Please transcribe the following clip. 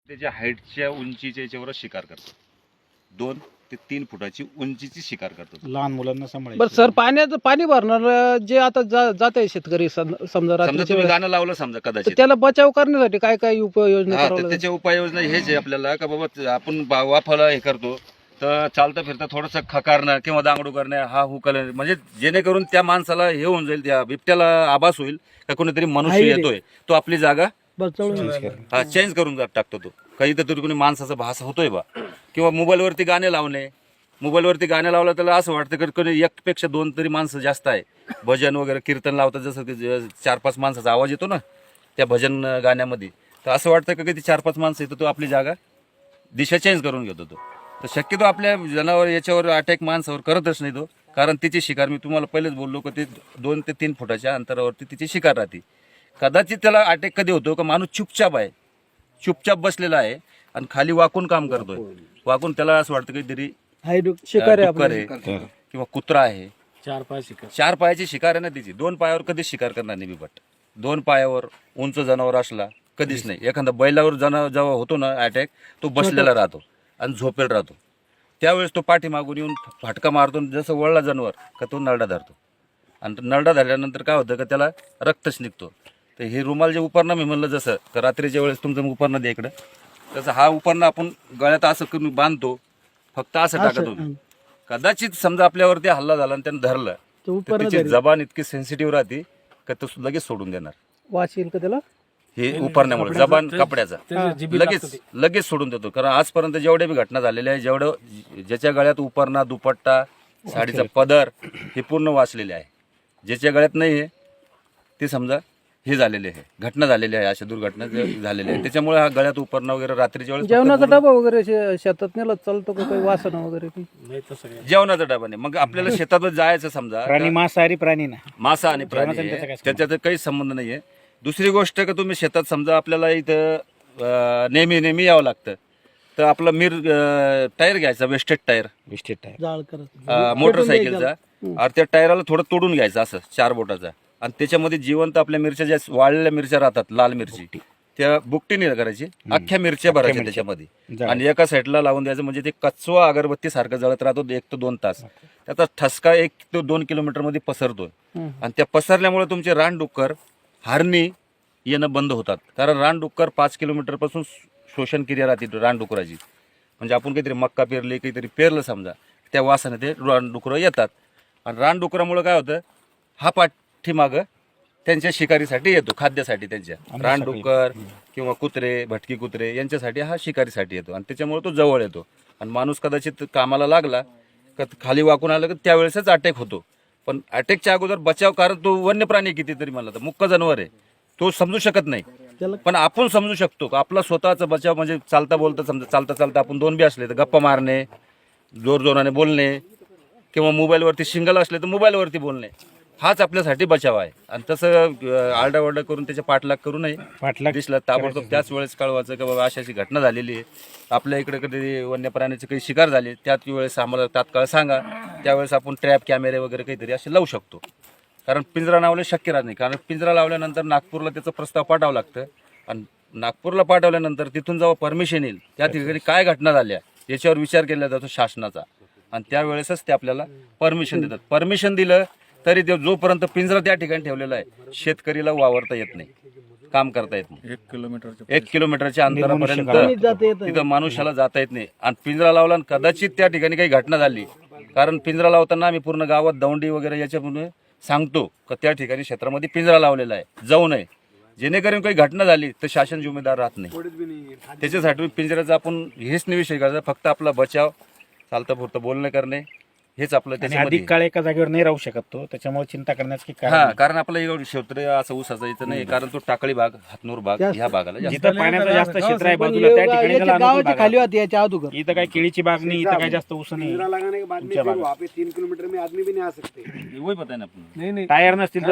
त्याच्या हाईटच्या उंचीच्या याच्यावर शिकार करतात. 2 ते 3 फुटाची उंचीची शिकार करतात. लहान मुलांना सांभाळायचं. बरं सर, पाण्याचं पाणी भरणार जे आता जात आहे शेतकरी समजा समजा रात्रीच्या तुम्ही वेळेस, गाणं लावलं समजा तर कदाचित, त्याला बचाव करण्यासाठी काय काय उपाययोजना हा, करावं तर लागेल? त्याच्या उपाययोजना हेच आहे आपल्याला का बाबा आपण वाफाला हे करतो तर चालता फिरता थोडंसं खकारणं किंवा दांगडू करणं, हा हुकल, म्हणजे जेणेकरून त्या माणसाला हे होऊन जाईल, त्या बिबट्याला आभास होईल का कोणीतरी मनुष्य येतोय, तो आपली जागा चेंज करून टाकतो. तो काही तर कोणी माणसाचा भास होतोय बा. किंवा मोबाईलवरती गाणे लावणे, मोबाईलवरती गाणे लावलं त्याला असं वाटतं की कोणी एकपेक्षा 2 तरी माणसं जास्त आहे. भजन वगैरे कीर्तन लावतात, जसं की 4-5 माणसाचा आवाज येतो ना त्या भजन गाण्यामध्ये, तर असं वाटतं की ती 4-5 माणसं येतो, तो आपली जागा दिशा चेंज करून घेतो. तो तर शक्यतो आपल्या जनावर याच्यावर अटॅक माणसावर करतच नाही तो, कारण तिची शिकार मी तुम्हाला पहिलेच बोललो की ते 2 ते 3 फुटाच्या अंतरावरती तिची शिकार राहते. कदाचित त्याला अटॅक कधी होतो का माणूस चुपचाप बसलेला आहे आणि खाली वाकून काम करतोय, वाकून त्याला असं वाटतं काहीतरी शिकार आहे डुक्कर आहे किंवा कुत्रा आहे. 4 पायाची शिकार आहे ना तिची. 2 पायावर कधीच शिकार करणार नाही बिबट. 2 पायावर उंच जनावर असला कधीच नाही. एखादा बैलावर जेव्हा होतो ना अटॅक, तो बसलेला राहतो आणि झोपेल राहतो. त्यावेळेस तो पाठीमागून येऊन फाटका मारतो, जसं वळला जनावर का तो नरडा धरतो, आणि नरडा धरल्यानंतर काय होतं का त्याला रक्तच निघतो. तर हे रुमाल जे उपरणं मी म्हणलं, जसं का रात्रीच्या वेळेस तुमचं उपरणं द्या इकडं, तसं हा उपरणं आपण गळ्यात असं करून बांधतो, फक्त असं टाका तुम्ही. कदाचित समजा आपल्यावरती हल्ला झाला आणि त्यानं धरलं तर त्याची जबान इतकी सेन्सिटिव्ह राहते का तो लगेच सोडून देणार. वाच येईल का त्याला? हे उपरण्यामुळे जबान कपड्याचा लगेच सोडून देतो. कारण आजपर्यंत जेवढ्या बी घटना झालेल्या आहे, ज्याच्या गळ्यात उपरणा, दुपट्टा, साडीचा पदर हे पूर्ण वाचलेले आहे. ज्याच्या गळ्यात नाही आहे ते समजा हे झालेले आहे, घटना झालेली आहे, अशा दुर्घटना झालेल्या आहे. त्याच्यामुळे हा गळ्यात उपरणा वगैरे रात्रीच्या वेळेस जेवणाचा डबा वगैरे शेतात नेला चालतो का? काही वासना वगैरे जेवणाचा डबा नाही. मग आपल्याला शेतातच जायचं समजा, प्राणी मांसाहारी प्राणी ना, मासा आणि प्राणी आहे, त्याच्यात काही संबंध नाहीये. दुसरी गोष्ट का तुम्ही शेतात समजा आपल्याला इथं नेहमी यावं लागतं, तर आपला टायर घ्यायचा, वेस्टेड टायर मोटरसायकलचा, आणि त्या टायराला थोडं तोडून घ्यायचं असं 4 बोटाचा, आणि त्याच्यामध्ये जिवंत आपल्या मिरच्या, ज्या वाळलेल्या मिरच्या राहतात, लाल मिरची, त्या बुकटीने करायची, अख्ख्या मिरच्या भरायच्या त्याच्यामध्ये आणि एका साईडला लावून द्यायचं. म्हणजे ते कचवा अगरबत्ती सारखं जळत राहतो 1 ते 2 तास. त्याचा ठसका 1 ते 2 किलोमीटर मध्ये पसरतो, आणि त्या पसरल्यामुळे तुमचे रानडुक्कर, हरणी येणं बंद होतात. कारण रानडुक्कर 5 किलोमीटर पासून शोषण क्रिया राहते रानडुकराची. म्हणजे आपण काहीतरी मक्का पेरली, काहीतरी पेरलं समजा, त्या वासाने ते रानडुकरं येतात, आणि रानडुकरामुळे काय होतं, हा पाठीमागं त्यांच्या शिकारीसाठी येतो, खाद्यासाठी. त्यांच्या रानडुक्कर किंवा कुत्रे, भटकी कुत्रे यांच्यासाठी हा शिकारीसाठी येतो, आणि त्याच्यामुळे तो जवळ येतो. आणि माणूस कदाचित कामाला लागला का खाली वाकून आलं की त्यावेळेसच अटॅक होतो. पण अटॅकच्या अगोदर बचाव, कारण तो वन्य प्राणी कितीतरी म्हणला तर मुक्क जनावर आहे, तो समजू शकत नाही. पण आपण समजू शकतो का आपला स्वतःचा बचाव. म्हणजे चालता बोलता समजा, चालता आपण 2 बी असले तर गप्पा मारणे, जोराने बोलणे, किंवा मोबाईलवरती सिंगल असले तर मोबाईलवरती बोलणे, हाच आपल्यासाठी बचाव आहे. आणि तसं आरडाओरडा करून त्याच्या पाठलाग करू नये. दिसलं ताबडतोब त्याच वेळेस कळवायचं की बाबा अशी घटना झालेली आहे, आपल्या इकडे कधी वन्य प्राण्याची काही शिकार झाली, त्याच वेळेस आम्हाला तात्काळ सांगा. त्यावेळेस आपण ट्रॅप कॅमेरे वगैरे काहीतरी असे लावू शकतो. कारण पिंजरा लावले शक्य राहत नाही, कारण पिंजरा लावल्यानंतर नागपूरला त्याचा प्रस्ताव पाठवावा लागतं, आणि नागपूरला पाठवल्यानंतर तिथून जेव्हा परमिशन येईल, त्या ठिकाणी काय घटना झाल्या याच्यावर विचार केला जातो शासनाचा, आणि त्यावेळेसच ते आपल्याला परमिशन देतात. परमिशन दिलं तरी ते जोपर्यंत पिंजरा त्या ठिकाणी ठेवलेला आहे, शेतकरीला वावरता येत नाही, काम करता येत नाही. 1 किलोमीटरच्या अंतरापर्यंत तिथं मनुष्याला जाता येत नाही. आणि पिंजरा लावला आणि कदाचित त्या ठिकाणी काही घटना झाली, कारण पिंजरा लावताना आम्ही पूर्ण गावात दौंडी वगैरे याच्यामुळे सांगतो का त्या ठिकाणी क्षेत्रामध्ये पिंजरा लावलेला आहे, जाऊ नये. जेणेकरून काही घटना झाली तर शासन जिम्मेदार राहत नाही. त्याच्यासाठी पिंजऱ्याचा आपण हेच नाही विषय करायचा, फक्त आपला बचाव, चालतं पुरतं बोलणं करणे, हेच आपलं. अधिक काळ एका जागेवर नाही राहू शकत तो, त्याच्यामुळे चिंता करण्याची कारण आपलं एवढं क्षेत्र असं ऊसाचं इथं नाही, कारण तो टाकळी भाग, हातनूर भाग ह्या भागाला जिथं पाण्याचं जास्त क्षेत्र आहे बाजूला, त्या ठिकाणी खाली होती याच्या अगोदर. इथं काय केळीची बाग नाही, इथं काय जास्त ऊस नाही. 3 किलोमीटर में आदमी भी नहीं आ सकते. वही पता है ना आपण. टायर नसतील